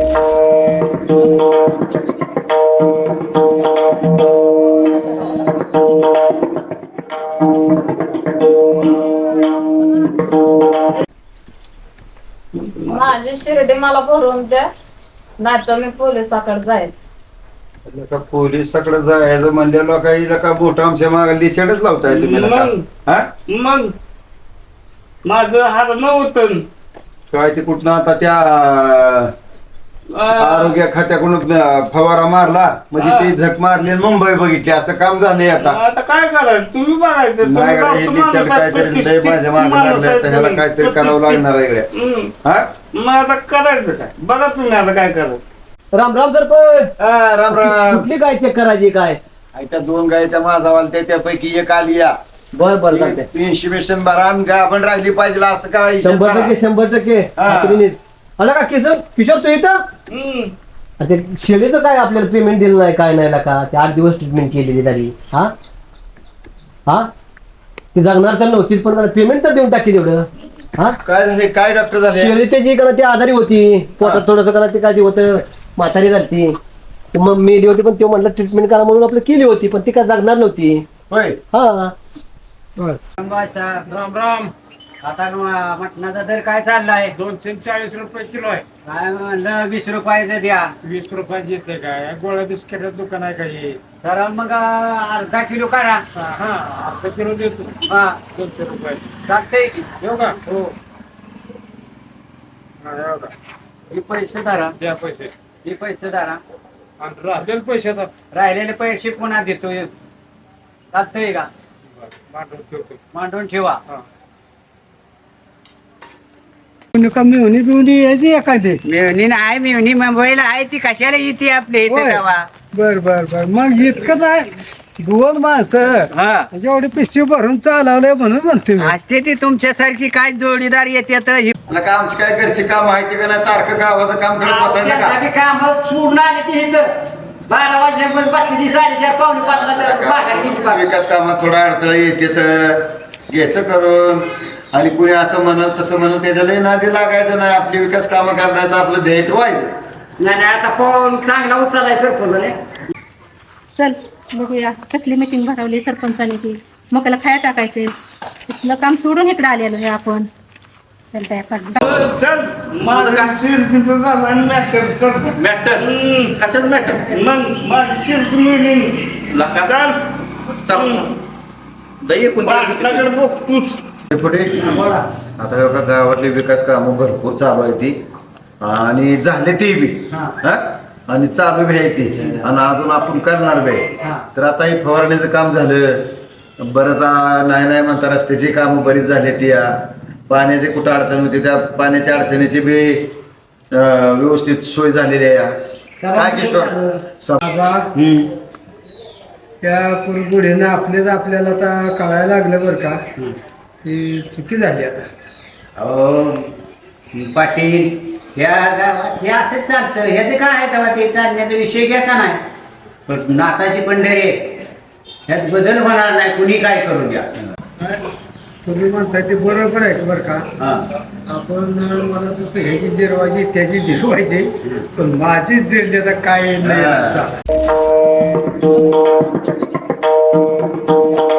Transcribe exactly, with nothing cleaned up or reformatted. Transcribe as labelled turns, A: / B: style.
A: माझी शिर्डी मला भरून द्या, नाही तर मी पोलिसाकडे जाईल.
B: का पोलिसाकडे जायचं म्हणलेलं काही का बोट आमच्या मागे लिचडच लावताय तुम्ही नका. हा?
C: मग माझं हरण होतं
B: काय ते कुठं आता त्या आरोग्य खात्याकडून फवारा मारला म्हणजे ते झक मारली आणि मुंबई बघितली असं काम झालंय आता.
C: आता काय करायचं तुम्ही बघायचं.
B: नाही का हे लिचड काहीतरी लय माझ्या मागे लागलंय तर ह्याला काहीतरी करावं लागणार आहे इकडे. हा?
C: मग आता करायचं काय बघा तुम्ही आता काय करायचं.
D: राम राम सरपंच.
B: हा, राम राम.
D: कुठली गाय चेक करायची काय?
B: त्या दोन गाय त्या माझा वालत्या त्यापैकी एक आली या.
D: बर बर चालतंय.
B: इन्स्टिमेशन भरा आणि गाय आपण राहिली पाहिजे असं करायचं.
D: शंभर टक्के शंभर टक्के
B: हा.
D: खात्रीने. आला का किशोर किशोर तू इथं?
C: हम्म.
D: आणि ते शेळीचं काय आपल्याला पेमेंट दिलं नाही काय नाही का? ते आठ दिवस ट्रीटमेंट केलेली तरी हा हा ती जगणार तर नव्हतीच पण पेमेंट तर देऊन टाकी तेवढं. हा
B: काय झाले काय डॉक्टर झाले?
D: शेळी त्याची का ती आजारी होती पोटात थोडंसं करा ते काय ते होतं म्हातारी झाली ती मग मेली होती पण ते म्हटलं ट्रीटमेंट करा म्हणून आपलं केली होती पण ती काय जगणार नव्हती.
B: होय.
D: हा
C: राम राम.
E: आता मटणाचा दर काय चाललाय?
C: दोनशे चाळीस रुपये किलो आहे.
E: काय म्हणलं वीस रुपयाचं द्या.
C: वीस रुपयाची येते काय गोळ्या बिस्किटाचं दुकान आहे काही.
E: तर मग अर्धा किलो करा.
C: हा अर्धा किलो देतो.
E: हा
C: दोनशे रुपये
E: चालतंय की.
C: येऊ का? हो. हा, येऊ का?
E: हे पैसे धरा.
C: द्या पैसे
E: हे पैसे धरा.
C: आणि राहिलेले पैसे आता
E: राहिलेले पैसे पुन्हा देतो. चालतंय का?
C: मांडून ठेवतो.
E: मांडून ठेवा.
C: हा.
F: मेवणी बिवणी यायची एखादी.
E: मिळणी नाही मिळणी मुंबईला आहे ती कशाला येते आपल्या इथे
F: होय.
E: जावा.
F: बर बर बर मग इतकं नाही दोन माणसं
E: हा
F: एवढी पिशवी भरून चालवलंय म्हणून म्हणते मी.
E: असते ती तुमच्यासारखी काय जोडीदार येते तर
B: मला का आमची काय घरची काम माहिती का नाही सारखं गावाचं काम करत बसायचं का?
E: काम सोडून आले ती इथं बारा वाजल्यापासून बसली ती साडेचार पावणे पाचला
B: विकास कामात थोडा अडथळा येते तर घ्यायचं करून आणि कुणी असं म्हणत तसं म्हणत त्याच्याला नादी लागायचं नाही. आपली विकास कामं करण्याचं आपलं ध्येय ठेवायचं.
E: नाही नाही आता पाऊल चांगला उचलाय सरपंचाने.
G: चल बघूया कसली मीटिंग भरवली सरपंचाने ती मकाला खाया टाकायचे इथलं काम सोडून इकडे आलेलो आहे आपण. चल काय काढ
C: चल माझं काय शिरपीचं झालं आणि मॅटर चल
H: मॅटर कशाच मॅटर
C: मग माझी शिरपी मिळली.
H: लका
C: चल
H: चाल दही
C: बाटलाकडे बघ तूच.
B: पुढे आता हे बघा गावातली विकास कामं भरपूर चालू आहे ती आणि झाले ते बी हा आणि चालू बी आहे ती आणि अजून आपण करणार बी आहे. तर आता हे फवारण्याचं काम झालं बरंच आ- नाही नाही म्हणता रस्त्याची कामं बरीच झाली ती या पाण्याची कुठं अडचण होती त्या पाण्याच्या अडचणीची बी अं, व्यवस्थित सोय झालेली आहे या. काय किशोर
F: बाबा त्या पुरगुडीनं आपलेच आपल्याला आता कळायला लागलं बरं का की चुकी झाली आता.
E: अहो पाटील ह्या गावात हे असंच चालतं ह्याचं काय आहे तेव्हा ते चालण्याचा विषय घ्यायचा नाही पण नाकाची पंढरी आहे. ह्यात बदल होणार नाही कुणी काय करू द्या.
F: तुम्ही म्हणताय ते बरोबर आहे बरं का.
E: हा
F: आपण मला तर ह्याची जिरवायची त्याची जिरवायची पण माझीच जिरली आता काय नाही.